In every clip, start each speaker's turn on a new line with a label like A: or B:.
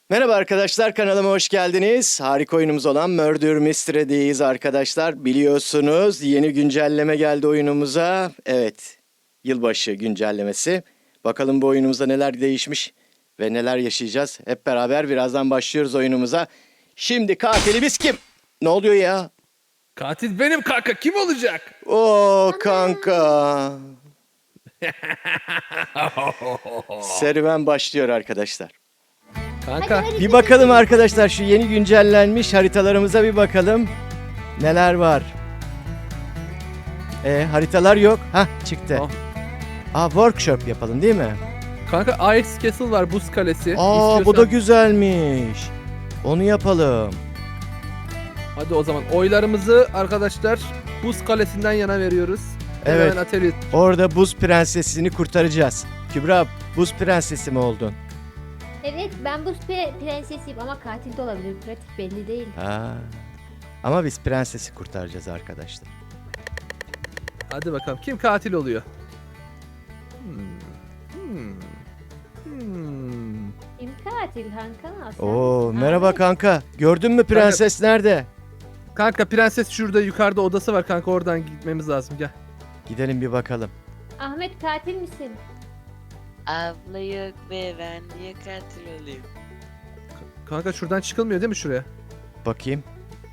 A: Merhaba arkadaşlar, kanalıma hoş geldiniz. Harika oyunumuz olan Murder Mystery'deyiz arkadaşlar. Biliyorsunuz yeni güncelleme geldi oyunumuza. Evet, yılbaşı güncellemesi. Bakalım bu oyunumuzda neler değişmiş ve neler yaşayacağız. Hep beraber birazdan başlıyoruz oyunumuza. Şimdi katilimiz kim? Ne oluyor ya?
B: Katil benim kanka. Kim olacak?
A: Oo kanka. Serüven başlıyor arkadaşlar.
B: Kanka.
A: Bir bakalım arkadaşlar, şu yeni güncellenmiş haritalarımıza bir bakalım. Neler var? Haritalar yok. Hah, çıktı.
B: Oh.
A: Workshop yapalım değil mi?
B: Kanka Ice Castle var, buz kalesi.
A: Bu da güzelmiş. Onu yapalım.
B: Hadi o zaman oylarımızı arkadaşlar buz kalesinden yana veriyoruz.
A: Evet.
B: Hemen atölye.
A: Orada buz prensesini kurtaracağız. Kübra, buz prensesi mi oldun?
C: Evet, ben buz prensesiyim ama katil de olabilir. Pratik belli değil.
A: Ama biz prensesi kurtaracağız arkadaşlar.
B: Hadi bakalım kim katil oluyor?
C: Kim katil Hakan Hasan?
A: Oo, merhaba kanka. Gördün mü prenses nerede?
B: Kanka prenses şurada yukarıda odası var kanka, oradan gitmemiz lazım, gel.
A: Gidelim bir bakalım.
C: Ahmet katil misin?
D: Abla yok be, ben niye katil olayım?
B: Kanka şuradan çıkılmıyor değil mi şuraya?
A: Bakayım.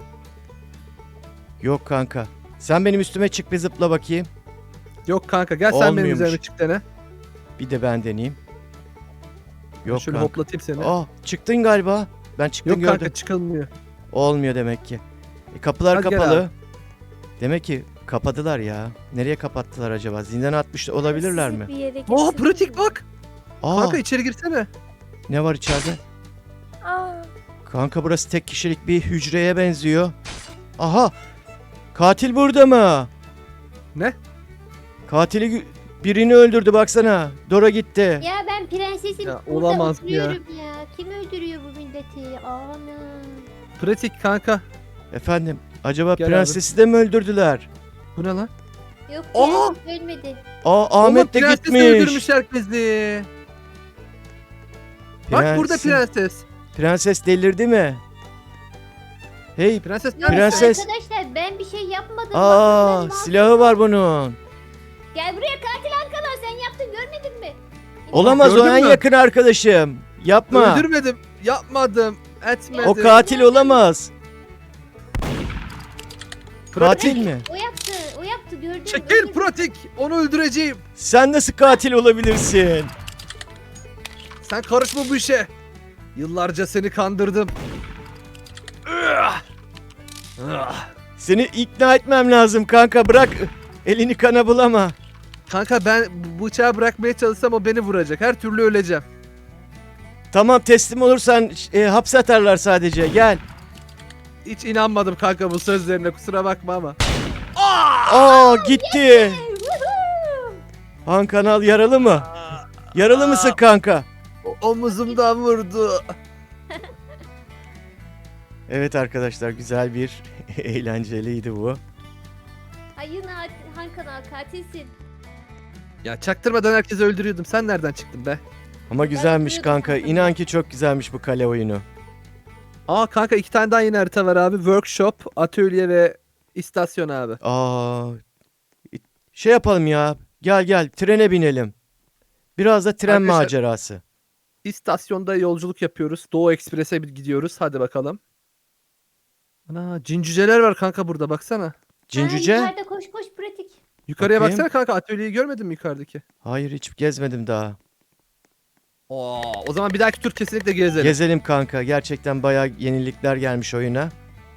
A: Yok kanka. Sen benim üstüme çık, bir zıpla bakayım.
B: Yok kanka, gel sen benim
A: Olmuyormuş.
B: üzerime çık dene.
A: Bir de ben deneyeyim. Yok
B: Şöyle
A: kanka.
B: hoplatayım seni.
A: Çıktın galiba. Ben çıktım,
B: Yok
A: gördüm.
B: kanka, çıkılmıyor.
A: Olmuyor demek ki. Kapılar
B: Hadi gel
A: kapalı.
B: abi.
A: Demek ki kapadılar ya. Nereye kapattılar acaba? Zindana atmış olabilirler
C: Sizi
A: mi?
C: bir yere
B: Oh
C: getirdim.
B: pratik bak.
A: Aa,
B: Kanka içeri girsene.
A: ne var içeride?
C: Aa,
A: Kanka burası tek kişilik bir hücreye benziyor. Aha! Katil burada mı?
B: Ne?
A: Birini öldürdü baksana. Dora gitti.
C: ya ben prensesim.
B: Ya,
C: Burada
B: olamaz ya.
C: oturuyorum ya. Kim öldürüyor bu milleti? Ana.
B: Pratik kanka.
A: Efendim, acaba
B: Gel
A: prensesi de mi öldürdüler?
B: Bu ne lan?
C: Yok
B: Aa!
C: prenses ölmedi.
A: Ahmet de
B: Oğlum, prenses
A: gitmiş.
B: öldürmüş herkesi. Bak burada
A: Prensin-
B: prenses.
A: Prenses delirdi mi? Hey,
B: Prenses
C: Yok
B: nerede?
A: Prenses-
C: arkadaşlar ben bir şey yapmadım. Bakın ben
A: silahı var bunun.
C: Gel buraya katil Hakan sen yaptın görmedin mi?
A: Olamaz, o
B: Gördün
A: en
B: mü?
A: yakın arkadaşım. Yapma.
B: Öldürmedim. Yapmadım. Etmedim.
A: O katil olamaz.
B: Pratik.
A: Katil mi?
C: O yaptı gördün mü?
B: Çekil pratik. Onu öldüreceğim.
A: Sen nasıl katil olabilirsin?
B: Sen karışma bu işe. Yıllarca seni kandırdım.
A: Seni ikna etmem lazım kanka, bırak. Elini kana bulama.
B: Kanka ben bıçağı bırakmaya çalışsam o beni vuracak. Her türlü öleceğim.
A: Tamam, teslim olursan hapse atarlar sadece, gel.
B: Hiç inanmadım kanka bu sözlerine, kusura bakma ama.
A: Gitti. Han Kanal yaralı mı? Yaralı mısın kanka?
B: Omuzumdan vurdu.
A: Evet arkadaşlar, güzel bir eğlenceliydi bu.
C: Hayır Hakan katilsin.
B: Ya çaktırmadan herkesi öldürüyordum. Sen nereden çıktın be?
A: Ama güzelmiş
C: yapıyordum
A: kanka.
C: kanka.
A: İnan ki çok güzelmiş bu kale oyunu.
B: Aa kanka 2 tane daha yeni harita var abi. Workshop, atölye ve istasyon abi.
A: Şey yapalım ya. Gel trene binelim. Biraz da tren
B: Arkadaşlar-
A: macerası.
B: İstasyonda yolculuk yapıyoruz. Doğu Ekspres'e gidiyoruz. Hadi bakalım. Ana cincüceler var kanka burada, baksana.
A: Cincüce?
C: Yukarıda koş pratik.
B: Yukarıya
A: Bakayım.
B: baksana kanka, atölyeyi görmedin mi yukarıdaki?
A: Hayır, hiç gezmedim daha.
B: O zaman bir dahaki tur kesinlikle gezelim.
A: Gezelim kanka. Gerçekten bayağı yenilikler gelmiş oyuna.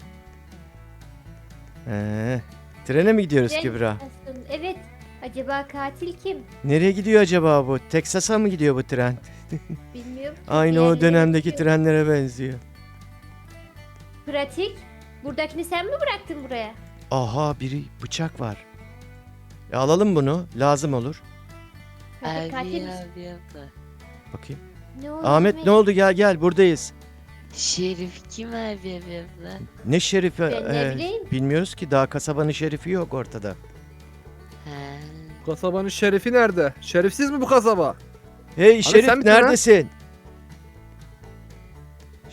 A: Trene mi gidiyoruz
C: Tren
A: Kübra?
C: istasyonu. Evet. Acaba katil kim?
A: Nereye gidiyor acaba bu? Teksas'a mı gidiyor bu tren?
C: Bilmiyorum. ki.
A: Aynı o
C: Diğerleri
A: dönemdeki
C: gidiyor.
A: trenlere benziyor.
C: Pratik. Buradakini sen mi bıraktın buraya?
A: Aha, biri bıçak var. Alalım bunu. Lazım olur.
C: Pratik
D: Abi
C: katil misin?
D: abi abla.
A: Bakayım.
C: Ne oldu
A: Ahmet ne oldu? Gel buradayız.
D: Şerif kim abi abla?
A: Ne şerifi?
C: Ben ne bileyim.
A: Bilmiyoruz ki, daha kasabanın şerifi yok ortada.
D: Ha.
B: Kasabanın şerifi nerede? Şerifsiz mi bu kasaba?
A: Hey
B: sen
A: şerif,
B: misin lan?
A: neredesin?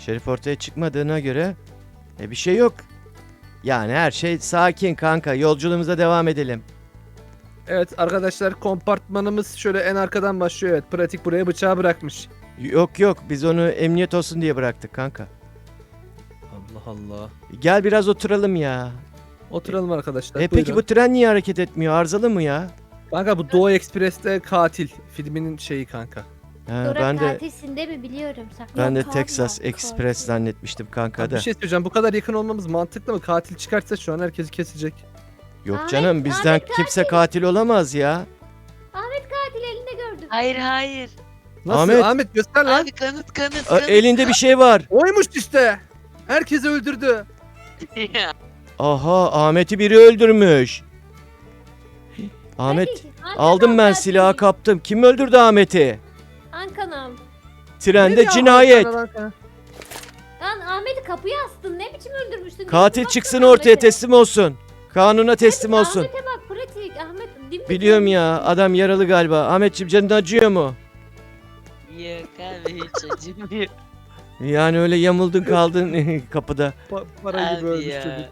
A: Şerif ortaya çıkmadığına göre bir şey yok. Yani her şey sakin kanka. Yolculuğumuza devam edelim.
B: Evet arkadaşlar, kompartmanımız şöyle en arkadan başlıyor. Evet, pratik buraya bıçağı bırakmış.
A: Yok biz onu emniyet olsun diye bıraktık kanka.
B: Allah Allah.
A: Gel biraz oturalım ya.
B: Oturalım arkadaşlar.
A: Peki
B: buyurun.
A: bu tren niye hareket etmiyor? Arızalı mı ya?
B: Kanka bu Doğu Ekspres'te katil filminin şeyi kanka.
A: Ha,
C: Dora
A: ben de
C: katilsinde mi biliyorum.
A: ben de
E: Yok abi,
A: Texas
E: yok,
A: Express
E: katil.
A: zannetmiştim kanka
B: Abi
A: da.
B: bir şey söyleyeceğim, bu kadar yakın olmamız mantıklı mı? Katil çıkarsa şu an herkesi kesecek.
A: Yok
C: Ahmet-
A: canım bizden
C: Ahmet
A: kimse katil olamaz ya.
C: Katil elinde gördüm.
D: Hayır hayır.
B: Nasıl?
A: Ahmet-
B: Ahmet göster lan.
D: Abi kanıt
A: Aa,
D: kanıt.
A: elinde bir şey var.
B: Oymuş işte. Herkesi öldürdü.
D: Ya,
A: Aha Ahmet'i biri öldürmüş. Ahmet aldım ben silahı kaptım. Kim öldürdü Ahmet'i?
C: Ankanam.
A: Trende
B: Nereye
A: cinayet.
B: aldın sen lan?
C: Lan Ahmet'i kapıya astın. Ne biçim öldürmüştün?
A: Katil
C: Baksana
A: çıksın
C: Ahmet'e.
A: ortaya teslim olsun. Kanuna teslim olsun.
C: Ahmet'e bak pratik. Ahmet dimdik
A: Biliyorum ya
C: ölmüş.
A: adam yaralı galiba. Ahmetciğim canın acıyor mu?
D: Yok abi hiç acımıyor.
A: Yani öyle yamuldun kaldın kapıda.
B: Para gibi
D: Abi
B: ölmüş
D: ya.
B: çocuk.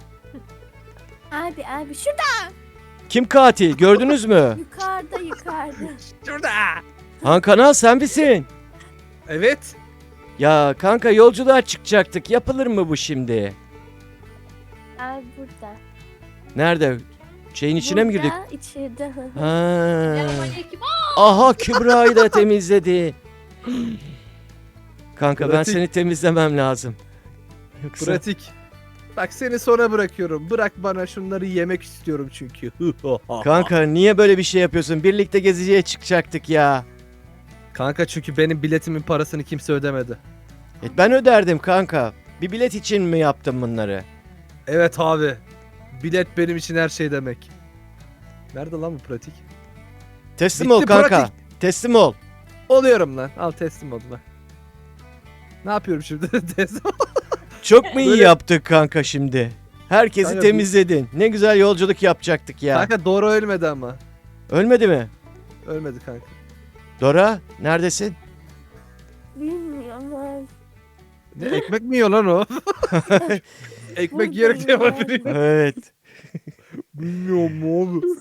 E: Abi şurada
A: Kim katil gördünüz mü?
E: yukarıda.
B: Şurada.
A: Han Kanal sen misin?
B: Evet.
A: Ya kanka yolculuğa çıkacaktık. Yapılır mı bu şimdi?
E: Abi burada.
A: Nerede? Şeyin içine mi girdik?
E: Burada, içeride.
A: Ha.
C: Selamünaleyküm.
A: Aha Kübra'yı da temizledi. Kanka ben
B: Pratik.
A: seni temizlemem lazım. Yoksa...
B: Pratik. Bak seni sonra bırakıyorum. Bırak bana, şunları yemek istiyorum çünkü.
A: Kanka niye böyle bir şey yapıyorsun? Birlikte geziciye çıkacaktık ya.
B: Kanka çünkü benim biletimin parasını kimse ödemedi.
A: Ben öderdim kanka. Bir bilet için mi yaptın bunları?
B: Evet abi. Bilet benim için her şey demek. Nerede lan bu pratik?
A: Teslim
B: Bitti
A: ol kanka.
B: pratik.
A: Teslim ol.
B: Oluyorum lan. Al teslim oldum lan. Ne yapıyorum şimdi? Teslim.
A: Çok mu iyi
B: Böyle-
A: yaptık kanka şimdi? Herkesi
B: Kanka,
A: temizledin. Ne güzel yolculuk yapacaktık ya.
B: Kanka doğru ölmedi ama.
A: Ölmedi mi?
B: Ölmedi kanka.
A: Dora neredesin?
E: Bilmiyorum abi.
B: Ne ekmek mi yiyor lan o? Ekmek yiyerek de
E: Buradayım
B: yapabiliyor.
A: Evet.
B: Bilmiyorum abi.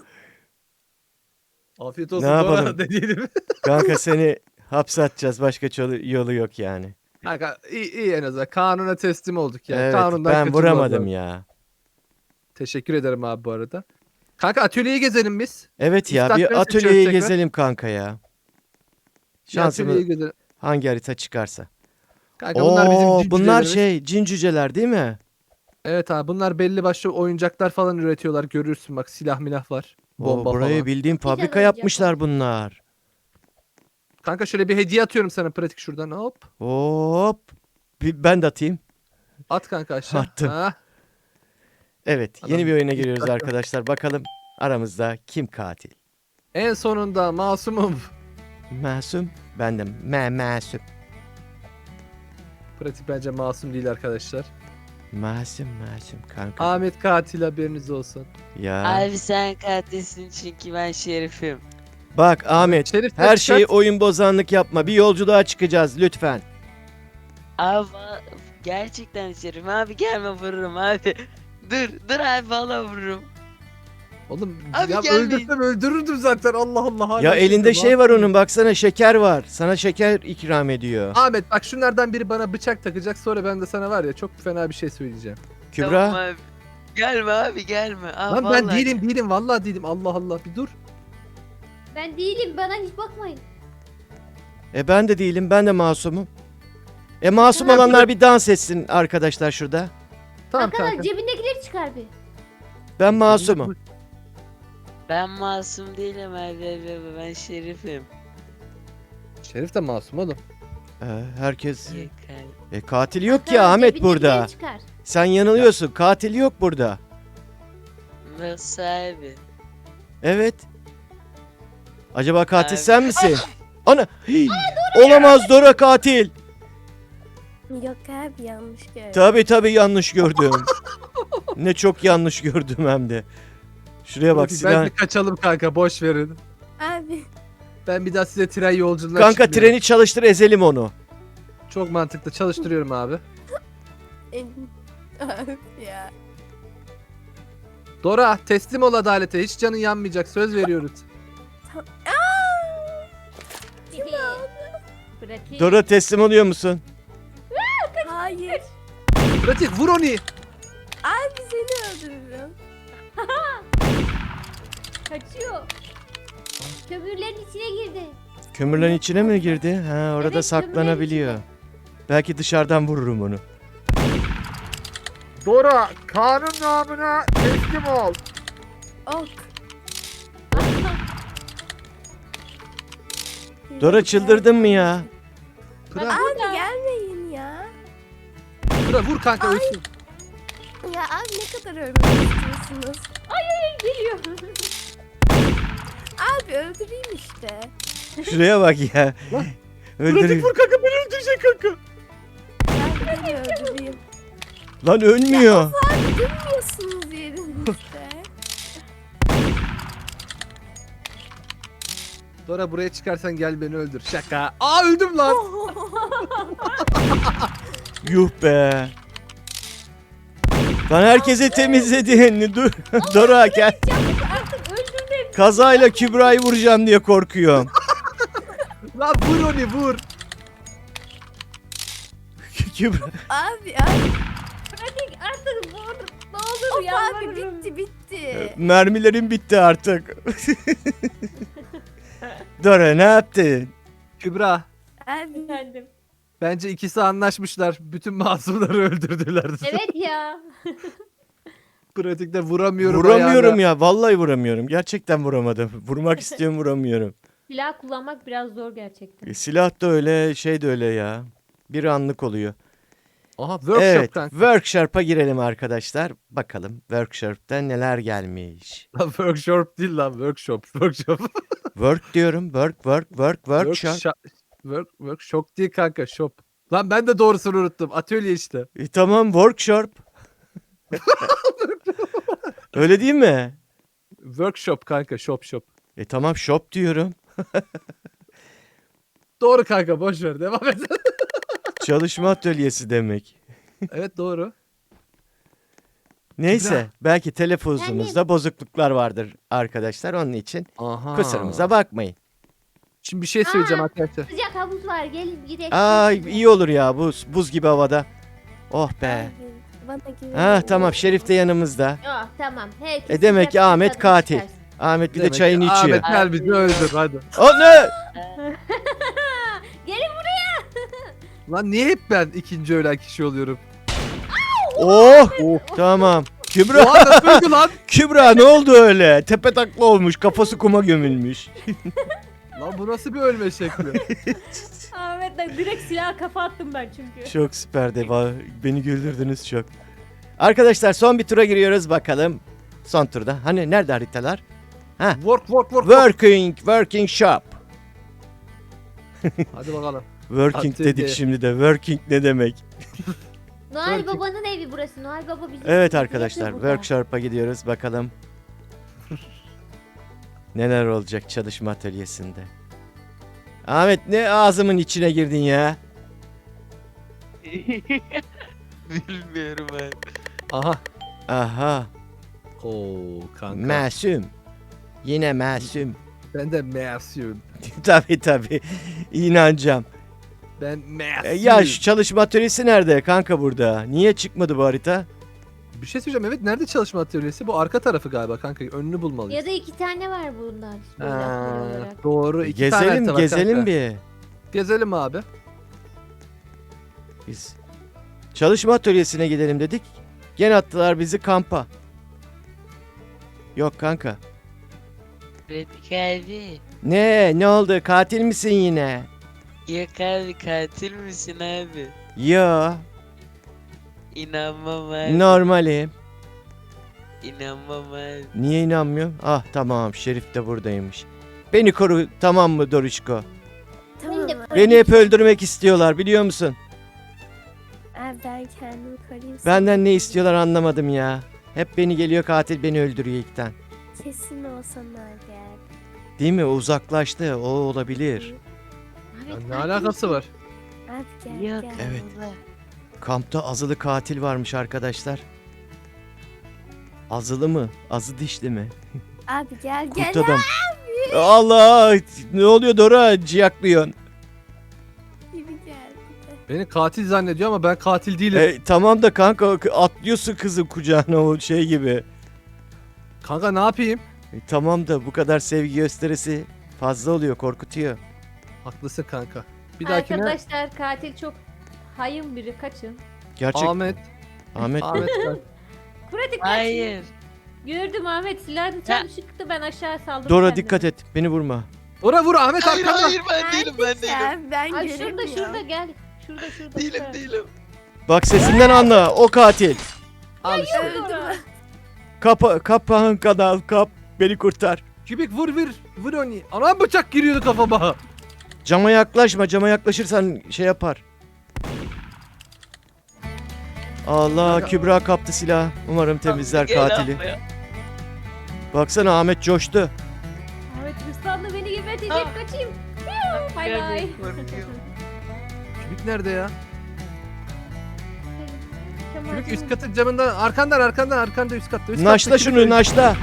B: Afiyet olsun
A: Ne
B: Dora
A: yapalım?
B: dediğim.
A: Kanka seni hapse atacağız. Başka yolu yok yani.
B: Kanka iyi en azından. Kanuna teslim olduk ya.
A: Evet
B: Kanundan
A: ben
B: kaçınmaz
A: vuramadım
B: abi.
A: ya.
B: Teşekkür ederim abi bu arada. Kanka atölyeyi gezelim biz.
A: Evet ya
B: İstakbel
A: bir
B: seçiyoruz
A: atölyeyi
B: tekrar.
A: gezelim kanka ya.
B: Bir
A: Şansımız
B: atölyeyi gezelim.
A: hangi harita çıkarsa.
B: Kanka bunlar bizim
A: Oo,
B: cin
A: bunlar
B: cücelerimiz.
A: şey cin cüceler değil mi?
B: Evet abi bunlar belli başlı oyuncaklar falan üretiyorlar. Görürsün bak, silah milah var. Bomba
A: Burayı
B: falan.
A: bildiğim fabrika
C: oyuncak
A: yapmışlar bunlar.
B: Kanka şöyle bir hediye atıyorum sana pratik şuradan. Hop.
A: Hop. Ben de atayım.
B: At kanka aşağı.
A: Attım.
B: Ha.
A: Evet
B: Adam
A: yeni bir oyuna
B: ilk
A: giriyoruz
B: dakika.
A: arkadaşlar. Bakalım aramızda kim katil?
B: En sonunda masumum.
A: Masum. Ben de masum.
B: Pratik bence masum değil arkadaşlar.
A: Masum kanka.
B: Ahmet katil, haberiniz olsun.
A: Ya.
D: Abi sen katilsin çünkü ben şerifim.
A: Bak Ahmet
B: Şerif
A: her
B: kaç
A: şeyi
B: kaç?
A: oyun bozanlık yapma. Bir yolculuğa çıkacağız lütfen.
D: Abi gerçekten şerifim. Abi gelme vururum abi. Dur abi valla vururum.
B: Oğlum
D: Abi
B: ya
D: gelmeyin.
B: öldürsem öldürürdüm zaten, Allah Allah. hala
A: Ya elinde
B: öldürdüm,
A: şey var
B: masumum.
A: onun baksana şeker var. Sana şeker ikram ediyor.
B: Ahmet bak şunlardan biri bana bıçak takacak, sonra ben de sana var ya çok fena bir şey söyleyeceğim.
A: Kübra.
D: Tamam abi. Gelme abi gelme. Abi,
B: Lan ben
D: vallahi
B: değilim vallahi değilim, Allah Allah bir dur.
C: Ben değilim. Bana hiç bakmayın.
A: Ben de değilim. Ben de masumum. Masum
B: Hemen
A: olanlar bir dans etsin arkadaşlar şurada.
B: Tamam
C: Arkadaş
B: kanka.
C: cebindekileri çıkar bir.
A: Ben masumum.
D: Ben masum değilim abi. Ben şerifim.
B: Şerif de masum oğlum.
A: Herkes
D: Yakar.
A: katil yok
C: Arkadaş,
A: ya Ahmet
C: cebindekileri
A: burada.
C: Çıkar.
A: Sen yanılıyorsun. Katil yok burada.
D: Nasıl abi?
A: Evet. Acaba katil
D: Abi.
A: sen misin? Ana. Hii, olamaz Dora katil.
E: Yok abi, yanlış gördüm.
A: Tabii yanlış gördüm. Ne çok yanlış gördüm hem de. Şuraya bak
B: Pratik,
A: silah.
B: bence kaçalım kanka, boş verin.
E: Abi
B: Ben bir daha size tren yolculuğuna
A: Kanka
B: çıkmıyorum.
A: treni çalıştır ezelim onu.
B: Çok mantıklı. Çalıştırıyorum abi.
E: Abi ya.
B: Dora teslim ol adalete. Hiç canın yanmayacak. Söz veriyoruz.
C: Pratik.
A: Dora teslim oluyor musun?
E: Hayır.
B: Pratik vur onu.
E: Abi seni öldürürüm.
C: Kaçıyor. Kömürlerin içine girdi.
A: Kömürlerin içine mi girdi? Ha, orada
C: Evet,
A: saklanabiliyor.
C: kömürlerin
A: Belki dışarıdan vururum onu.
B: Dora kanun namına teslim ol.
E: Ok.
A: Dora çıldırdın mı ya?
B: Pıra,
E: Abi gelmeyin ya.
B: Pıra vur kanka ölsün.
E: Ya abi ne kadar ölmek istiyorsunuz?
C: Geliyor.
E: Abi öldüreyim işte.
A: Şuraya bak ya.
B: Pratik
A: Öldüreyim.
B: vur kanka beni öldürecek kanka.
E: Ben beni öldüreyim.
A: Lan ölmüyor.
E: Abi durmuyorsunuz yerinizde.
B: Dora buraya çıkarsan gel beni öldür. Şaka. Aa öldüm lan.
A: Yuh be. Lan herkese temizledin. Dur. Dora gel.
C: Artık öldürdüm.
A: Kazayla Kübra'yı vuracağım diye korkuyorum.
B: Lan vur onu vur.
A: Kübra.
E: Abi
C: Pratik artık vur. Ne olur
E: of abi
C: yalvarırım.
E: bitti.
A: Mermilerim bitti artık. Dora ne yaptın?
B: Kübra.
E: Abi
C: Efendim.
B: Bence ikisi anlaşmışlar. Bütün masumları öldürdüler.
C: Evet ya.
B: Pratikte vuramıyorum
A: Vuramıyorum
B: ayağına.
A: ya. Vallahi vuramıyorum. Gerçekten vuramadım. Vurmak istiyorum vuramıyorum.
C: Silah kullanmak biraz zor gerçekten.
A: Silah da öyle, şey de öyle ya. Bir anlık oluyor.
B: Aha workshop
A: Evet,
B: kanka.
A: workshop'a girelim arkadaşlar. Bakalım workshop'ta neler gelmiş.
B: Lan workshop değil lan workshop. Workshop.
A: Work diyorum. Workshop.
B: Workshop değil kanka shop. Lan ben de doğrusunu unuttum. Atölye işte.
A: Tamam, workshop. Öyle değil mi?
B: Workshop kanka shop.
A: Tamam, shop diyorum.
B: Doğru kanka boş ver devam et.
A: Çalışma atölyesi demek.
B: Evet doğru.
A: Neyse, belki telefonumuzda bozukluklar vardır arkadaşlar. Onun için
B: Aha.
A: kusurumuza bakmayın.
B: Şimdi bir şey söyleyeceğim
C: Aa.
B: arkadaşlar.
C: Sıcak havuz var. Gelin gidelim.
A: Aa, iyi olur ya, buz gibi havada. Oh be.
E: Abi, bana güvenin.
A: Ha tamam, Şerif de yanımızda.
C: Oh, tamam. Herkes
A: Demek ki
C: sıcak
A: Ahmet
C: tadını
A: katil.
C: çıkarsın.
A: Ahmet bir de
B: Demek ki
A: çayını içiyor.
B: Ahmet gel bizi öldür hadi.
A: O ne?
C: Gelin buraya.
B: Lan niye hep ben ikinci ölen kişi oluyorum?
A: Oh! Tamam. Kübra,
B: Oha nasıl öldü lan?
A: Kübra ne oldu öyle? Tepe takla olmuş, kafası kuma gömülmüş.
B: Lan bu nasıl bir ölme şekli?
C: Ahmet bak direkt silah kafa attım ben çünkü.
A: Çok süperdi. Beni güldürdünüz çok. Arkadaşlar son bir tura giriyoruz bakalım. Son turda. Hani nerede haritalar?
B: Work.
A: Working shop.
B: Hadi bakalım.
A: Working
B: Atölye.
A: dedik şimdi de. Working ne demek?
C: Noel
B: Working.
C: Baba'nın evi burası. Noel Baba bizi
A: Evet
C: bizi
A: arkadaşlar,
C: yapıyor burada.
A: workshop'a gidiyoruz bakalım. Neler olacak çalışma atölyesinde. Ahmet ne ağzımın içine girdin ya?
D: Bilmiyorum abi.
B: Aha.
A: Aha,
B: Oo kanka.
A: masum. Yine masum.
B: Ben de masum.
A: tabii inanacağım.
B: Ben masum.
A: Ya şu çalışma atölyesi nerede kanka burada? Niye çıkmadı bu harita?
B: Bir şey söyleyeceğim evet nerede çalışma atölyesi? Bu arka tarafı galiba kanka önünü bulmalıyız.
C: Ya da 2 tane var bunlar. Böyle
B: Ha,
C: atölye olarak.
B: doğru iki tane harita var
A: Gezelim
B: kanka.
A: bir.
B: Gezelim abi.
A: Biz çalışma atölyesine gidelim dedik. Gene attılar bizi kampa. Yok kanka.
D: Pratik abi.
A: Ne oldu? Katil misin yine?
D: Yok abi katil misin abi?
A: Yo,
D: İnanmam abi.
A: normalim.
D: İnanmam abi.
A: Niye inanmıyorsun? Ah tamam, Şerif de buradaymış. Beni koru, tamam mı Doruşko?
E: Tamam
C: Ben de-
E: abi.
A: Beni hep öldürmek istiyorlar, biliyor musun?
E: Abi ben kendimi koruyayım.
A: Benden ne istiyorlar anlamadım ya. Hep beni geliyor katil beni öldürüyor ilkten.
E: Kesin olsan abi.
A: Değil mi? O uzaklaştı. O olabilir.
C: Ahmet
B: Ya ne
C: katil
B: alakası
C: misin?
B: var?
E: Abi gel
D: Yok.
E: gel.
A: Evet.
D: Allah.
A: Kampta azılı katil varmış arkadaşlar. Azılı mı? Azı dişli mi?
E: Abi gel gel.
A: Kurt adam. Allah! Ne oluyor Dora? Ciyaklıyorsun.
E: Gibi gel.
B: Beni katil zannediyor ama ben katil değilim.
A: Tamam da kanka atlıyorsun kızın kucağına o şey gibi.
B: Kanka ne yapayım?
A: Tamam da bu kadar sevgi gösterisi fazla oluyor, korkutuyor.
B: Haklısın kanka. Bir dahakine
C: Arkadaşlar katil çok hayın biri, kaçın.
A: Gerçek
B: Ahmet.
A: Ahmet
B: Ahmet gel.
C: Pratik kaç.
D: Hayır.
C: Gördüm Ahmet, silahını tam çıktı, ben aşağı saldım.
A: Dora
C: kendimi.
A: dikkat et, beni vurma.
B: Dora vur Ahmet
D: Hayır
B: arkanda.
D: hayır ben değilim ben değilim.
E: Ya, ben
C: Ay şurada
E: göremiyorum.
C: gel. Şurada.
D: Değilim
C: şurada.
D: değilim.
A: Bak sesinden anla, o katil.
B: Al işte.
C: Dora.
A: Kapağın kanal, kap, beni kurtar.
B: Kübik vur. Vur onu. Anam bıçak giriyordu kafama.
A: Cama yaklaşma, cama yaklaşırsan şey yapar. Allah,
B: Kanka-
A: Kübra kaptı silahı. Umarım temizler
D: Gel
A: katili.
D: abi ya.
A: Baksana Ahmet coştu.
C: Ahmet hırslandı, beni gebertecek,
D: Ah.
C: kaçayım. Bay
D: Gel,
C: bay.
D: gel, korkuyorum.
B: Kübik nerede ya?
C: Kemal
B: Kübik
C: canım.
B: üst katın camından arkanda üst katta. Üst
A: Naşla
B: katta
A: şunu,
B: Kübik.
A: naşla.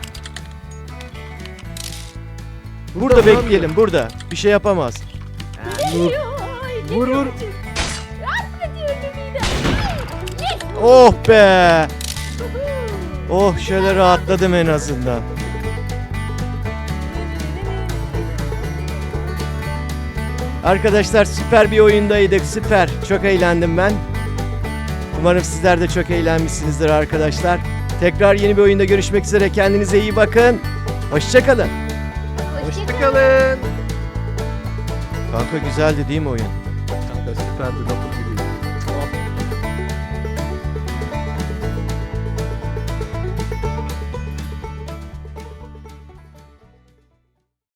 A: Burada
B: Burada
A: bekleyelim, burada. Bir şey yapamaz.
C: Ay,
B: Vur.
C: Ahmet öldüm yine.
A: Oh be! Oh şöyle rahatladım en azından. Arkadaşlar süper bir oyundaydık, süper. Çok eğlendim ben. Umarım sizler de çok eğlenmişsinizdir arkadaşlar. Tekrar yeni bir oyunda görüşmek üzere. Kendinize iyi bakın. Hoşçakalın.
B: Hoşçakalın.
A: Kanka güzeldi değil mi oyun?
B: Kanka süperdi.